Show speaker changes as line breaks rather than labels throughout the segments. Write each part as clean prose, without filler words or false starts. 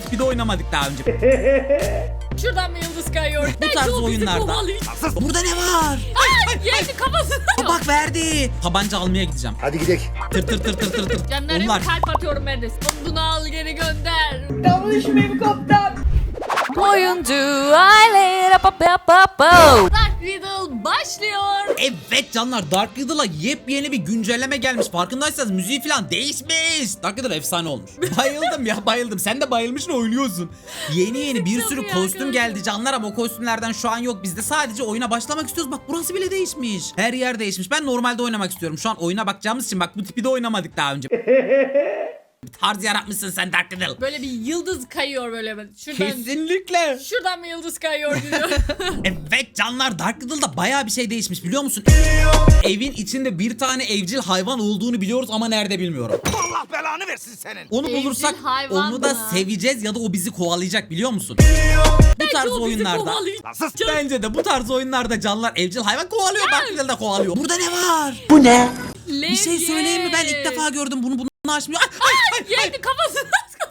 tipi de oynamadık daha önce.
Şuradan mı yıldız kayıyor?
Bu tarz oyunlarda. Burada ne var?
Yendi kafasına.
Bak verdi. Tabanca almaya gideceğim.
Hadi gidelim.
Tır tır tır tır tır tır.
Canlarım
Onlar.
kalp atıyorum ben de. Bunu al geri gönder.
Yanlış kaptan.
Oyuncu aile Dark Riddle başlıyor.
Evet canlar, Dark Riddle'a yepyeni bir güncelleme gelmiş. Farkındaysanız müziği falan değişmiş. Dark Riddle efsane olmuş. Bayıldım ya, bayıldım. Sen de bayılmışsın, oynuyorsun. Yeni bir sürü
Çalıyor
kostüm
arkadaşlar.
geldi canlar ama o kostümlerden şu an yok bizde. Sadece oyuna başlamak istiyoruz. Bak burası bile değişmiş. Her yer değişmiş. Ben normalde oynamak istiyorum. Şu an oyuna bakacağımız için bak bu tipi de oynamadık daha önce. Bir tarz yaratmışsın sen Dark Riddle.
Böyle bir yıldız kayıyor böyle. Şuradan,
Kesinlikle.
şuradan mı yıldız kayıyor diyor.
Evet canlar, Dark Riddle'da bayağı bir şey değişmiş biliyor musun? Evin içinde bir tane evcil hayvan olduğunu biliyoruz ama nerede bilmiyorum.
Allah belanı versin senin.
Onu
Evcil
bulursak
hayvan
onu da
mı?
seveceğiz ya da o bizi kovalayacak biliyor musun? Bu tarz
O bizi
oyunlarda.
kovalayacak.
Bence de bu tarz oyunlarda canlar evcil hayvan kovalıyor. Dark Riddle de kovalıyor. Burada ne var? Bir şey söyleyeyim mi? Ben ilk defa gördüm bunu açmıyor.
Yendi kafasına.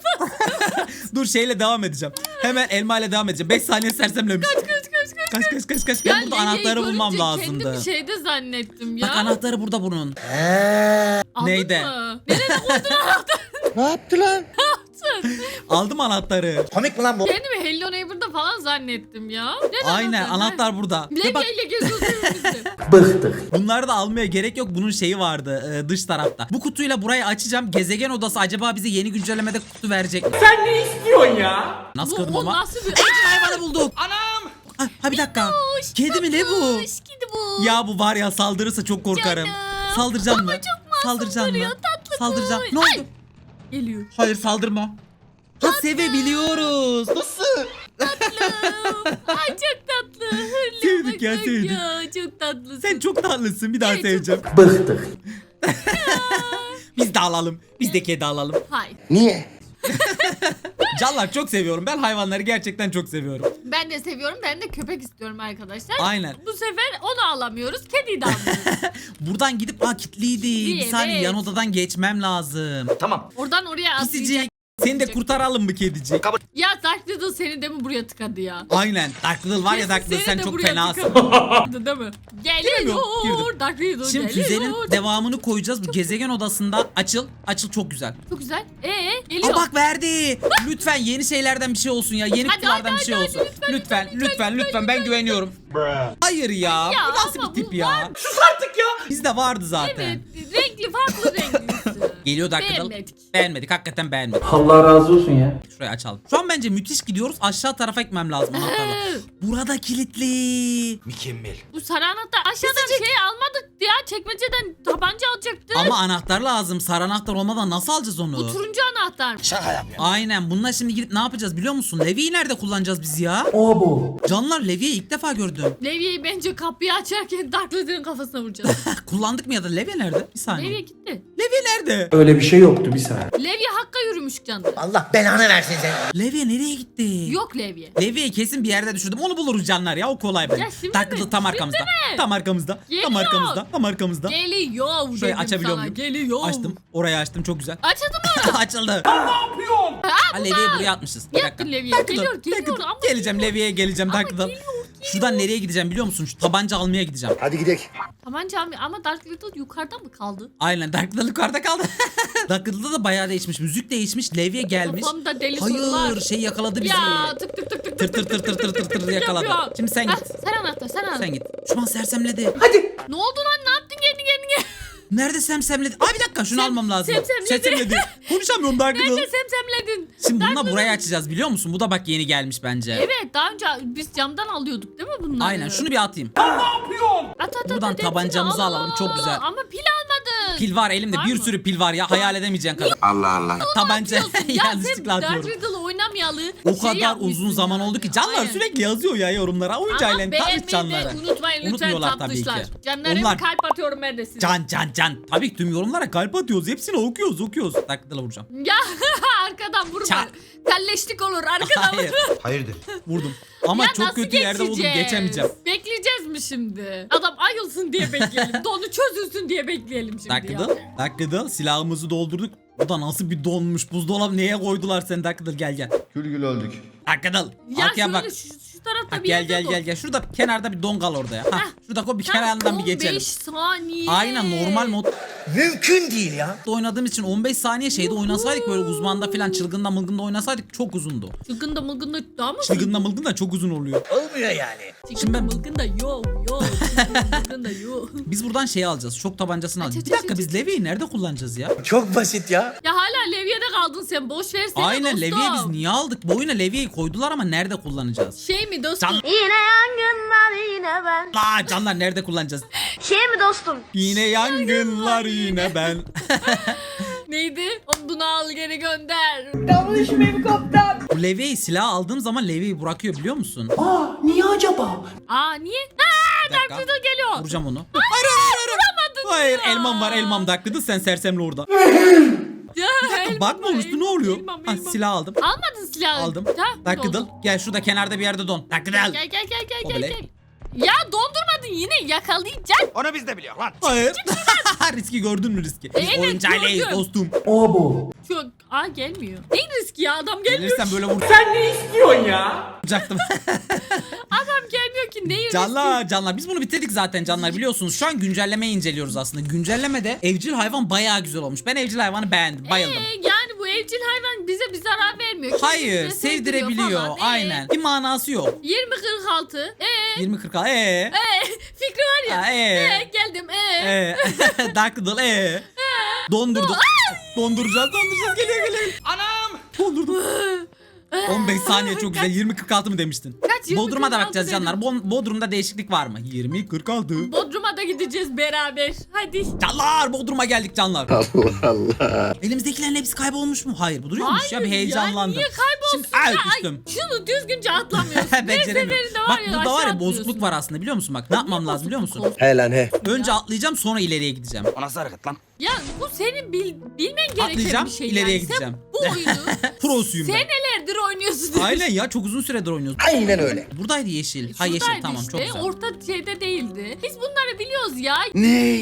Dur şeyle devam edeceğim. Hemen elma ile devam edeceğim. 5 saniye sersemlemiş. Kaç. Ben burada anahtarı bulmam lazımdı.
Kendimi şeyde zannettim ya.
Bak anahtarı burada bunun.
Aldın
neydi?
mı? Nerede koydun anahtarı?
Ne yaptı lan?
Aldım anahtarı.
Komik mi lan bu?
Kendimi Hello Neighbor'da falan zannettim ya. Nerede
Aynen anahtar burada. Ve bak
Levyeyle geziyorsun önümüzde.
bunları da almaya gerek yok. Bunun şeyi vardı dış tarafta. Bu kutuyla burayı açacağım. Gezegen odası acaba bize yeni güncellemede kutu verecek mi?
Sen ne istiyorsun ya?
Nasıl
Bu
kırdım
o
ama?
nasıl bir...
Evcil hayvanı bulduk.
Anam.
Ha bir dakika. Kedi mi ne bu?
Tatlış, kedi bu.
Ya bu var ya, saldırırsa çok korkarım.
Canım.
Saldıracağım mı?
Ama çok masum
Saldıracağım mı?
duruyor, tatlı
Saldıracağım.
kuş.
Ne oldu?
Ay. Geliyor.
Hayır saldırma. Ha sevebiliyoruz. Nasıl?
Ay çok tatlı. Hırlı
Sevdik ya,
bak
sevdik.
ya. Çok tatlısın.
Sen çok tatlısın. Bir daha
Evet,
seveceğim.
Bıktık.
Biz de alalım. Biz de kedi alalım.
Hayır.
Niye?
Canlar çok seviyorum. Ben hayvanları gerçekten çok seviyorum.
Ben de seviyorum. Ben de köpek istiyorum arkadaşlar.
Aynen.
Bu sefer onu alamıyoruz. Kediyi de almıyoruz.
Buradan gidip kilitliydi. Bir
Evet.
saniye yan odadan geçmem lazım.
Tamam.
Oradan oraya atlayacak.
Pisicik. Seni de kurtaralım mı kedicik?
Ya Dark Riddle seni de mi buraya tıkadı ya?
Aynen. Dark Riddle var ya, Dark Riddle
Seni
sen
de
çok
buraya
fenasın.
tıkadı, değil mi?
Giremiyorum,
Geliyor.
girdim.
Dark Riddle
Şimdi
geliyor.
füzenin devamını koyacağız. Bu gezegen odasında açıl. Açıl çok güzel.
Çok güzel. Geliyor.
Aa bak verdi. Lütfen yeni şeylerden bir şey olsun ya. Yeni
Hadi,
kutulardan
hadi,
bir şey
hadi,
olsun.
lütfen,
Lütfen ben güveniyorum. Hayır ya.
Ya
Bu nasıl
ama
bir tip
bu
ya?
var.
Sus artık ya.
Bizde vardı zaten.
Evet. Renkli farklı renklisi.
Geliyor Dark Riddle.
Beğenmedik.
Beğenmedik. Hakikaten beğenmedik.
Allah razı olsun ya.
Şurayı açalım. Şu an bence müthiş gidiyoruz. Aşağı tarafa gitmem lazım anahtarla. Burada kilitli.
Mükemmel.
Bu sarı anahtar aşağıdan şey almadık ya, çekmeceden tabanca alacaktık.
Ama anahtar lazım. Sarı anahtar olmadan nasıl alacağız onu?
Bu turuncu anahtar.
Şaka yapıyorum.
Aynen. Bununla şimdi gidip ne yapacağız biliyor musun? Levi'yi nerede kullanacağız biz ya?
O bu.
Canlar Levi'yi ilk defa gördüm.
Levye'yi bence kapıyı açarken Dark Riddle'ın kafasına vuracağız.
Kullandık mı ya da Levi nerede? Bir saniye.
Levye gitti.
Levi nerede?
Öyle bir şey yoktu bir saniye.
Levye Hakk'a yürümüş canım.
Allah belanı versin sen.
Levi nereye gitti?
Yok Levye.
Levi'yi kesin bir yerde düşürdüm. Onu buluruz canlar ya. O kolay bence.
Ya şimdi
Dark Riddle
mi?
tam
Şimdi
arkamızda.
mi?
Tam arkamızda. Tam
Geliyor.
arkamızda. Tam arkamızda.
Geliyor
Şurayı
dedim
açabiliyor
sana.
muyum?
Geliyor.
Açtım. Orayı açtım. Çok güzel.
Açıldı mı?
Açıldı.
Yapıyorsun.
Ha, Levi'yi buraya atmışız. Bir dakika.
Yaktın Levi'yi.
Dark Riddle,
Geliyor,
Dark
geliyor
Riddle.
ama
Geleceğim Levi'ye geleceğim.
Ama
Dark Riddle.
geliyor.
Şuradan nereye gideceğim biliyor musun? Şu tabanca almaya gideceğim.
Hadi gidelim.
Tabanca ama Dark Riddle yukarıda mı kaldı?
Aynen, Dark Riddle yukarıda kaldı. Dark Riddle'da da bayağı değişmiş. Müzik değişmiş. Levi'ye gelmiş.
Kafamda deli sorular.
Hayır, şey yakaladı bizi.
Ya tık tık tık tık
Tır tır tır tır tır tır tır yakaladı.
yapıyor.
Şimdi sen
Ha,
git.
sen anahtar, sen anahtar.
Sen git. Şu an sersemledi.
Hadi.
Ne oldu lan, ne yaptın kendi kendine?
Nerede semsemledi? Aa bir dakika şunu almam lazım.
semsemledi.
Konuşamıyorum Dark Riddle.
Nerede semsemledin?
Şimdi
Dark
bununla
Riddle-
burayı açacağız biliyor musun? Bu da bak yeni gelmiş bence.
Evet, daha önce biz camdan alıyorduk değil mi bunları?
Aynen, şunu bir atayım.
Yapıyorsun.
At,
buradan
hepsini
tabancamızı
al.
alalım, çok güzel.
Ama pil almadın.
Pil var elimde,
Var
bir
mı?
sürü pil var ya, hayal edemeyeceğin kadar.
Allah Allah.
Tabanca
Ya sen
yanlışlıkla
Dark
atıyorum.
Riddle oynamayalı.
O
şey
kadar
yapmışsın
uzun zaman
yani.
oldu ki canlar
Aynen.
sürekli yazıyor ya yorumlara. Oyuncu
Ama
ailen tanış
beğenmeyi
canları.
de unutmayın lütfen
Unutmuyorlar tabii ki.
tatlışlar. Canlarım
Onlar
kalp atıyorum ben de size.
can. Tabii ki tüm yorumlara kalp atıyoruz. Hepsini okuyoruz. Dark Riddle'a vuracağım.
Ya arkadan vurma.
Çak.
Kalleşlik olur arkadan
Hayır.
vurma.
Hayırdır?
Vurdum. Ama
Ya
çok
nasıl
kötü yerde buldum.
geçeceğiz?
Geçemeyeceğim.
Bekleyeceğiz mi şimdi? Adam ayılsın diye bekleyelim. Donu çözülsün diye bekleyelim şimdi
Dark
ya.
Riddle. Dark Riddle. Silahımızı doldurduk. Bu da nasıl bir donmuş buzdolabı, neye koydular seni Dakıdıl, gel.
Gül gül öldük.
Dakıdıl.
Ya
Arkaya
şöyle
bak.
şu tarafta
Bak,
bir
gel
yerde
gel. Şurada kenarda bir don kal orada ya. Hah, şurada koy bir kenarından bir geçelim.
15 saniye.
Aynen, normal modda
Mümkün değil ya.
oynadığım için 15 saniye şeyde oynasaydık, böyle uzmanda falan çılgında mılgında oynasaydık çok uzundu.
Çılgında mılgında daha mı?
Çılgında mılgında çok uzun oluyor.
Olmuyor yani.
Çılgında
ben-
mılgında yok. Çılgında yok.
Biz buradan şeyi alacağız. Şok tabancasını alacağız.
Aç,
Bir
aç,
dakika,
aç,
biz Levi'yi nerede kullanacağız ya?
Çok basit ya.
Ya hala Levy'de kaldın sen, boş versene
Aynen,
dostum.
Levi'yi biz niye aldık? Bu oyuna Levi'yi koydular ama nerede kullanacağız?
Şey mi dostum?
Can-
Yine yangınlar yine ben.
La canlar, nerede kullanacağız?
Şey mi dostum?
Yine yangınlar yine ben.
Neydi? Bunu al geri gönder.
Bu Levi'yi silah aldığım zaman Levi'yi bırakıyor, biliyor musun?
Aa niye acaba?
Aa niye?
Bir dakika.
Dakika geliyor.
Vuracağım onu. Hayır, elmam var, elmam Daklı'dı, sen sersemle orada.
Ya, elmam
Bakma
var,
üstü ne oluyor?
elmam,
Ha,
elmam.
silah aldım.
Almadın silahı.
Aldım.
Ha,
Daklı'dıl.
oldu.
Gel şurada kenarda bir yerde don. Daklı'dıl.
Gel gel gel gel
O
gel.
bile.
gel. Ya dondurmadın, yine yakalayacaksın.
Onu biz de biliyor lan.
Hayır. Riski gördün mü, riski? Biz
Evet,
oyuncağıyız
gördüm.
dostum.
Abo.
Çok gelmiyor. Neyin riski ya, adam gelmiyor.
Gelirsen böyle
Sen ne istiyorsun ya?
vuracaktım.
Adam gelmiyor ki, neyin riski?
Canlar biz bunu bitirdik zaten canlar, biliyorsunuz. Şu an güncellemeyi inceliyoruz aslında. Güncellemede evcil hayvan bayağı güzel olmuş. Ben evcil hayvanı beğendim, bayıldım.
Yani bu evcil hayvan bize bir zarar vermiyor.
Hayır,
Kendisine sevdiriyor
sevdirebiliyor.
falan.
Aynen. Bir manası yok.
20-46.
20-40
Fikri var ya. Geldim.
Daklı'dıl Dondurduk. Donduracağız geliyor.
Anam.
Dondurdum. 15 saniye çok güzel. 20-46 mı demiştin?
Kaç? 20-46
Bodrum'a da bakacağız
dedim.
canlar. Bodrum'da değişiklik var mı? 20-46.
Bodrum'a da gideceğiz beraber. Hadi.
Canlar, Bodrum'a geldik canlar. Allah Allah. Elimizdekilerin hepsi kaybolmuş mu? Hayır, bu duruyormuş ya, bir heyecanlandım.
Ya niye kaybolsun?
Şimdi ay
Ya,
düştüm.
şunu düzgünce atlamıyorsun. Her
Beceremiyorum.
seferinde var
Bak
ya,
burada var
aşağı
ya, bozukluk
atlıyorsun.
var aslında, biliyor musun? Bak ne yapmam lazım biliyor musun?
He lan he.
Önce atlayacağım, sonra ileriye gideceğim.
O nasıl hareket lan?
Ya bu senin bilmen gereken
Atlayacağım,
bir şey.
ileriye
yani.
gideceğim.
Sen bu oyunu
Prosuyum ben.
senelerdir oynuyorsun.
Aynen ya, çok uzun süredir oynuyoruz.
Aynen öyle.
Buradaydı yeşil. Ha, yeşil,
Şuradaydı
tamam,
işte,
çok güzel.
orta şeyde değildi. Biz bunları biliyoruz ya.
Ne?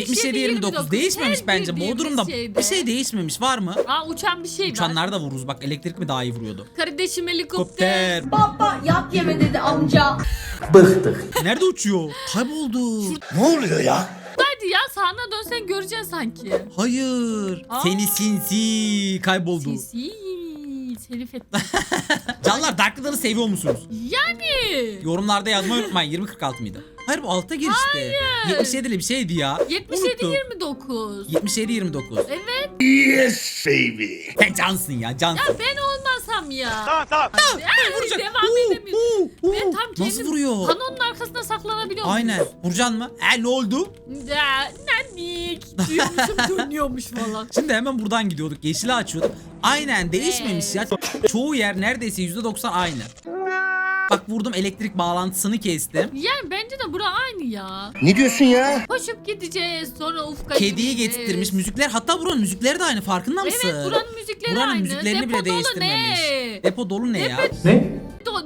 77-29 değişmemiş
Her
bence.
bildiğimiz
Bodrum'da
şeyde.
bir şey değişmemiş, var mı?
Aa, uçan bir şey var.
Uçanlar da vururuz bak, elektrik mi daha iyi vuruyordu?
Kardeşim helikopter.
Kopter.
Baba yap yeme dedi amca.
Bıktık.
Nerede uçuyor? Kayboldu.
Ne oluyor ya?
Hadi ya, sağına dönsen göreceksin sanki.
Hayır.
Aa.
Seni sinsi kayboldu.
Sisi. Herif etti.
Canlar, Darklı'ları seviyor musunuz?
Yani.
Yorumlarda yazmayı unutmayın. 20-46 mıydı? Hayır, bu altta girişti. 77'li bir şeydi ya.
77-29.
77-29.
Evet.
Yes baby.
Sen cansın ya, cansın.
Ya ben olmasam ya.
Tamam.
Hadi,
Vuracak.
devam edemiyorum. Ben tam kendim
Nasıl vuruyor?
kanonun arkasına saklanabiliyorum.
Aynen. Vuracaksın mı? Ne oldu?
Nanik. Diyormuşum, dönüyormuş falan.
Şimdi hemen buradan gidiyorduk. Yeşili açıyorduk. Aynen, değişmemiş ya. Çoğu yer neredeyse %90 aynı. Bak, vurdum, elektrik bağlantısını kestim.
Yani bence de bura aynı ya.
Ne diyorsun ya?
Koşup gideceğiz, sonra ufka
Kediyi
gideceğiz.
getirtmiş, müzikler. Hatta buranın müzikleri de aynı, farkında mısın?
Evet, buranın müzikleri
Buranın
aynı.
müziklerini
Depo
bile
dolu
değiştirmemiş.
ne?
Depo dolu ne ya?
Ne?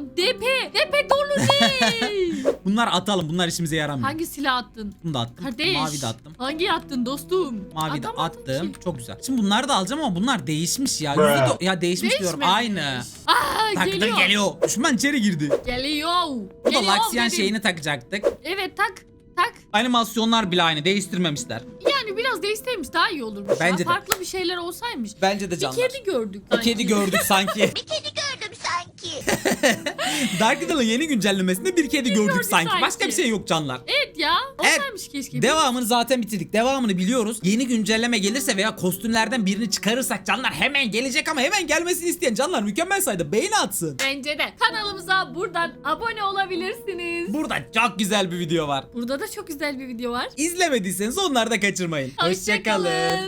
Depe dolu ne?
Bunlar atalım, bunlar işimize yaramıyor.
Hangi silah attın?
Bunu da attım.
Kardeş.
Mavi de attım.
Hangi attın dostum?
Mavi de
Atamadın
attım.
ki.
Çok güzel. Şimdi bunları da alacağım ama bunlar değişmiş ya. Ya değişmiş diyorum.
Değişmemiş.
Aynı.
Aa,
Taktın,
geliyor.
geliyor. Düşman içeri girdi.
Geliyor.
Bu da
Geliyor
Laksiyan
dedim.
şeyini takacaktık.
Evet, tak.
Animasyonlar bile aynı. Değiştirmemişler.
Yani biraz değişseymiş daha iyi olurmuş.
Bence
ya.
de.
Farklı bir şeyler olsaymış.
Bence de
Bir
canlar.
kedi gördük.
Bir kedi gördük sanki.
Bir kedi gördüm sanki.
Dark Riddle'ın yeni güncellemesinde bir kedi gördük
gördük
sanki.
sanki.
Başka bir şey yok canlar.
Evet ya.
Evet.
Olsaymış keşke.
Devamını zaten bitirdik. Devamını biliyoruz. Yeni güncelleme gelirse veya kostümlerden birini çıkarırsak canlar, hemen gelecek ama hemen gelmesini isteyen canlar mükemmel sayıda beğeni atsın.
Bence de. Kanalımıza buradan abone olabilirsiniz.
Burada çok güzel bir video var.
Burada da çok güzel bir video var.
İzlemediyseniz onları da kaçırmayın.
Hoşçakalın.